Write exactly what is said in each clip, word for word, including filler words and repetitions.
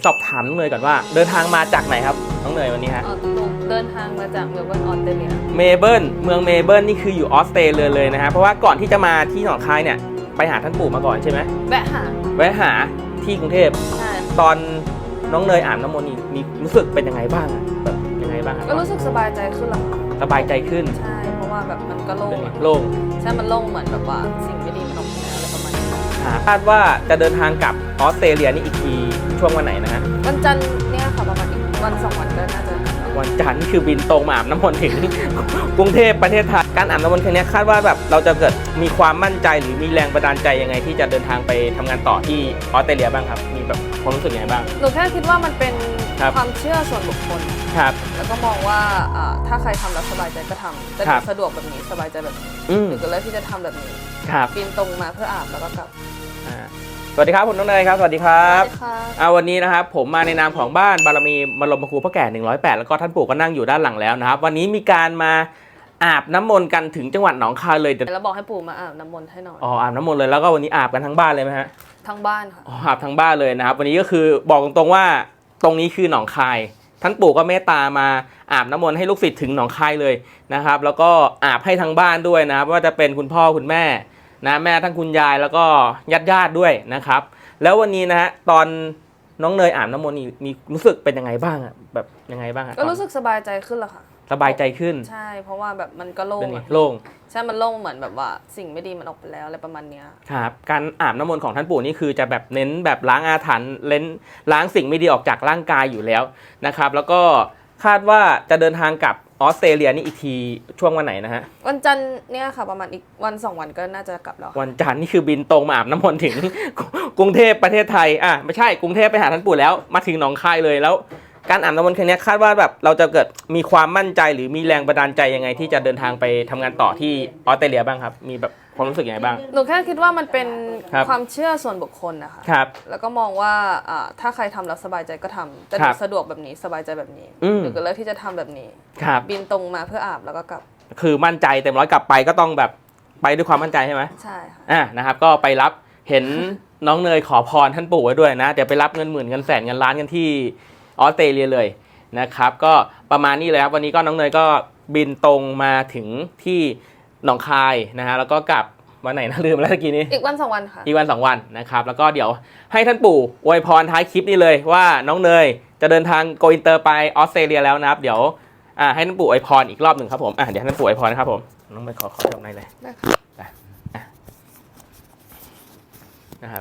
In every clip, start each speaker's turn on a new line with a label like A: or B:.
A: สอบถามน้องเนยก่อนว่าเดินทางมาจากไหนครับน้องเนยวันนี้ฮะ
B: เดินทางมาจากเมลเบิร์นออสเตรเลีย
A: เมลเบิร์นเมืองเมลเบิร์นนี่คืออยู่ออสเตรเลียเลยนะฮะเพราะว่าก่อนที่จะมาที่หนองคายเนี่ยไปหาท่านปู่มาก่อนใช่ไหม
B: แวะหา
A: แวะหาที่กรุงเทพ
B: ใช่
A: ตอนน้องเนยอาบน้ำมนต์นี่มีรู้สึกเป็นยังไงบ้างแบบยังไงบ้าง
B: ก็รู้สึกสบายใจขึ้นแล้วค่ะ
A: สบายใจขึ้น
B: ใช่เพราะว่าแบบมันก็โล่ง
A: โล่ง
B: ใช่มันโล่งเหมือนแบบว่าสิ่งไม่ดีมันออกไปแล้วอะไรประมาณนี้
A: คาดว่าจะเดินทางกลับออสเตรเลียนี่อีกทีช่วงวันไหนนะฮะ
B: วันจันทร์เนี่ยค่ะประมาณอีกวันสองวันก็น่าจะ
A: วันจันทร์นี่คือบินตรงมาอาบน้ำมนต์ถึงกรุงเทพประเทศไทยการอาบน้ำมนต์ครั้งนี้คาดว่าแบบเราจะเกิดมีความมั่นใจหรือมีแรงบันดาลใจยังไงที่จะเดินทางไปทำงานต่อที่ออสเตรเลียบ้างครับมีแบบความรู้สึกยังไงบ้าง
B: หนูแค่คิดว่ามันเป็นความเชื่อส่วนบุคคล
A: ครับ
B: แล้วก็มองว่าถ้าใครทำแล้วสบายใจก็ทำแต่สะดวกแบบนี้สบายใจแบบนี้หนูก็เลยที่จะทำแบบนี้บินตรงมาเพื่ออาบแล้วก็กลับ
A: สวัสดีครับคุณน้องเนยครับสวัสดีครับ
B: สวัสดีค่ะ
A: เอาวันนี้นะครับผมมาในนามของบ้านบารมีบรมครูพ่อแก่หนึ่งร้อยแปดแล้วก็ท่านปู่ก็นั่งอยู่ด้านหลังแล้วนะครับวันนี้มีการมาอาบน้ำมนต์กันถึงจังหวัดหนองคายเลย
B: แล้วบอกให้ปู่มาอาบน้ำมนต์ให้หน่อย
A: อ๋ออาบน้ำมนต์เลยแล้วก็วันนี้อาบกันทั้งบ้านเลยไหมฮะ
B: ทั้งบ้านค่ะ
A: อ๋ออาบทั้งบ้านเลยนะครับวันนี้ก็คือบอกตรงๆว่าตรงนี้คือหนองคายท่านปู่ก็เมตตามาอาบน้ำมนต์ให้ลูกศิษย์ถึงหนองคายเลยนะครับแล้วก็อาบให้ทั้งบ้านด้วยนะครับว่าจะเป็นคุณพ่อคุณแม่นะแม่ทั้งคุณยายแล้วก็ญาติๆด้วยนะครับแล้ววันนี้นะฮะตอนน้องเนยอาบน้ำมนต์มีรู้สึกเป็นยังไงบ้างอะแบบยังไงบ้างอะ
B: ก็รู้สึกสบายใจขึ้นแล้วค่ะ
A: สบายใจขึ้น
B: ใช่เพราะว่าแบบมันก็โล่ง
A: โล่ง
B: ใช่มันโล่งเหมือนแบบว่าสิ่งไม่ดีมันออกไปแล้วอะไรประมาณนี้
A: ครับการอาบน้ำมนต์ของท่านปู่นี่คือจะแบบเน้นแบบล้างอาถรรพ์เล้นล้างสิ่งไม่ดีออกจากร่างกายอยู่แล้วนะครับแล้วก็คาดว่าจะเดินทางกลับออสเตรเลียนี่อีกทีช่วงวันไหนนะฮะ
B: วันจันทร์เนี่ยค่ะประมาณอีกวันสองวันก็น่าจะกลับแล้ว
A: วันจันทร์นี่คือบินตรงมาอาบน้ำมนต์ถึงกรุงเทพประเทศไทยอ่ะไม่ใช่กรุงเทพไปหาท่านปู่แล้วมาถึงหนองคายเลยแล้วการอาบน้ำมนต์ครั้งนี้คาดว่าแบบเราจะเกิดมีความมั่นใจหรือมีแรงบันดาลใจยังไงที่จะเดินทางไปทำงานต่อที่ออสเตรเลียบ้างครับมีแบบความรู้สึกยังไงบ้าง
B: หนูแค่คิดว่ามันเป็นความเชื่อส่วนบุคคลนะคะ
A: ครับ
B: แล้วก็มองว่าถ้าใครทำแล้วสบายใจก็ทำแต่สะดวกแบบนี้สบายใจแบบนี้หนูก็เลือกที่จะทำแบบนี้บินตรงมาเพื่ออาบแล้วก็กลับ
A: คือมั่นใจเต็มร้อยกลับไปก็ต้องแบบไปด้วยความมั่นใจใช่ไหม
B: ใช่ค่ะ
A: อ่านะครับก็ไปรับเห็นน้องเนยขอพรท่านปู่ไว้ด้วยนะเดี๋ยวไปรับเงินหมื่นเงินแสนเงินล้านกันที่ออสเตรเลียเลยนะครับก็ประมาณนี้เลยครับวันนี้ก็น้องเนยก็บินตรงมาถึงที่หนองคายนะฮะแล้วก็กลับวันไหนนะลืมแล้วตะกี้นี้
B: อีกวันสองวันค่ะ
A: อีกวันสองวันนะครับแล้วก็เดี๋ยวให้ท่านปู่อวยพรท้ายคลิปนี้เลยว่าน้องเนยจะเดินทางโกอินเตอร์ไปออสเตรเลียแล้วนะครับเดี๋ยวอ่าให้ท่านปู่อวยพรอีกรอบหนึ่งครับผมอ่าเดี๋ยวให้ท่านปู่อวยพรนะครับผมน้องเนยขอขอจบในเลย
B: ได้ค่ะ
A: นะครับ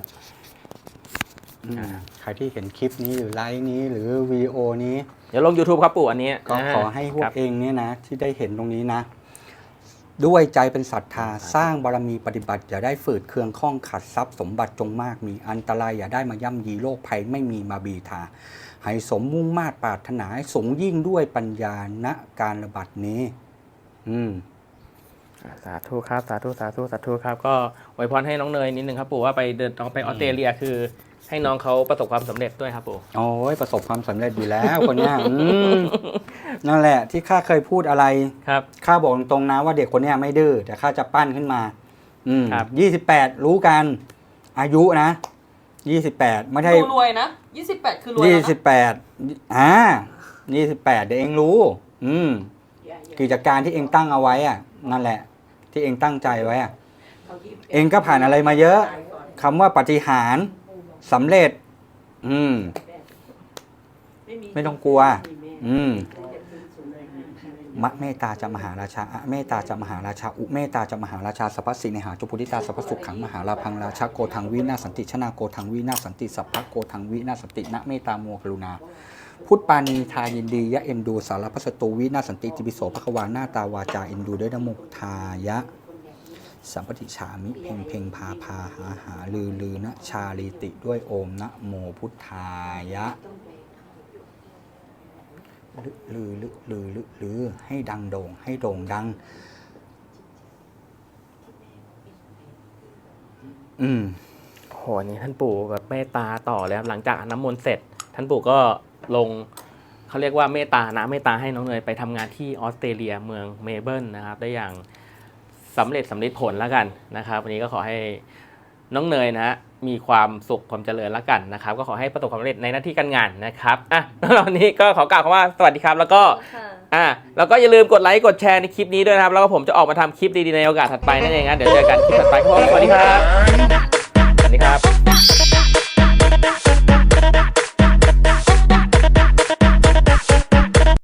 C: ใครที่เห็นคลิปนี้หรือไลฟ์นี้หรือวิดีโอนี้
A: เดี๋ยวลง YouTube ครับปู่อันนี้
C: ก็ขอให้พวกเองเนี่ยนะที่ได้เห็นตรงนี้นะด้วยใจเป็นศรัทธาสร้างบารมีปฏิบัติอย่าได้ฝืดเคืองข้องขัดทรัพย์สมบัติจงมากมีอันตรายอย่าได้มาย่ำยีโรคภัยไม่มีมาบีทาให้สมมุ่งมาตรปรารถนาให้สูงยิ่งด้วยปัญญาณการระบาดนี้อืม
A: สาธุครับสาธุสาธุสาธุครับก็อวยพรให้น้องเนยนิดนึงครับปู่ว่าไปเดินไปออสเตรเลียคือให้น้องเขาประสบความสำเร็จด้วยครับปู่
C: โอ้ยประสบความสำเร็จอยู่แล้วคนนี้นั่นแหละที่ข้าเคยพูดอะไร
A: ครับ
C: ข้าบอกตรงๆนะว่าเด็กคนนี้ไม่ดื้อแต่ข้าจะปั้นขึ้นมาอืมยี่สิบแปดรู้กันอายุนะยี่สิบแปดไม่ใช่
B: รวยนะยี่สิบแปดคือรวย
C: ยี่สิบแปดอ่ายี่สิบแปดเดี๋ยวเองรู้อืมกิจการที่เองตั้งเอาไว้อ่ะนั่นแหละที่เองตั้งใจไว้อ่ะเองก็ผ่านอะไรมาเยอะคำว่าปาฏิหาริย์สำเร็จอืมไม่ต้องกลัวอืมมะเมตตาจะมหาราชาอะเมตตาจะมหาราชาอุเมตตาจะมหาราชาสัพพสิเนหาจุพุทธิตาสัพพสุขขังมหาลาพังราชาโกทังวินาสันติชนาโกทังวินาสันติสัพพะโกทังวินาสันตินะเมตตาโมกรุณาพุทธปานีทายินดียะเอ็นดูสารพัสตูวินาสันติติปิโสภควาหน้าตาวาจาเอ็นดูด้วยนโมทายะสัมปติฉามิเพ่งเพ่งพาพาหาหาลือลือนะชาลีติด้วยโอมนะโมพุทธายะลือลือลือลือลือให้ดังโด่งให้โด่งดังอืม
A: โหนี่ท่านปู่แบบเมตตาต่อเลยครับหลังจากน้ำมนต์เสร็จท่านปู่ก็ลงเขาเรียกว่าเมตตานะเมตตาให้น้องเนยไปทำงานที่ออสเตรเลียเมืองเมลเบิร์นนะครับได้อย่างสำเร็จสำเร็จผลแล้วกันนะครับวันนี้ก็ขอให้น้องเนยนะฮะมีความสุขความเจริญแล้วกันนะครับก็ขอให้ประสบความสำเร็จในหน้าที่การงานนะครับอ่ะแล้ววันนี้ก็ขอกล่าวคำว่าสวัสดีครับแล้วก็อ่ะแล้วก็อย่าลืมกดไลค์กดแชร์ในคลิปนี้ด้วยนะครับแล้วก็ผมจะออกมาทำคลิปดีๆในโอกาสถัดไปนั่นเองนะเดี๋ยวเจอกันคลิปถัดไปครับสวัสดีครับสวัสดีครับ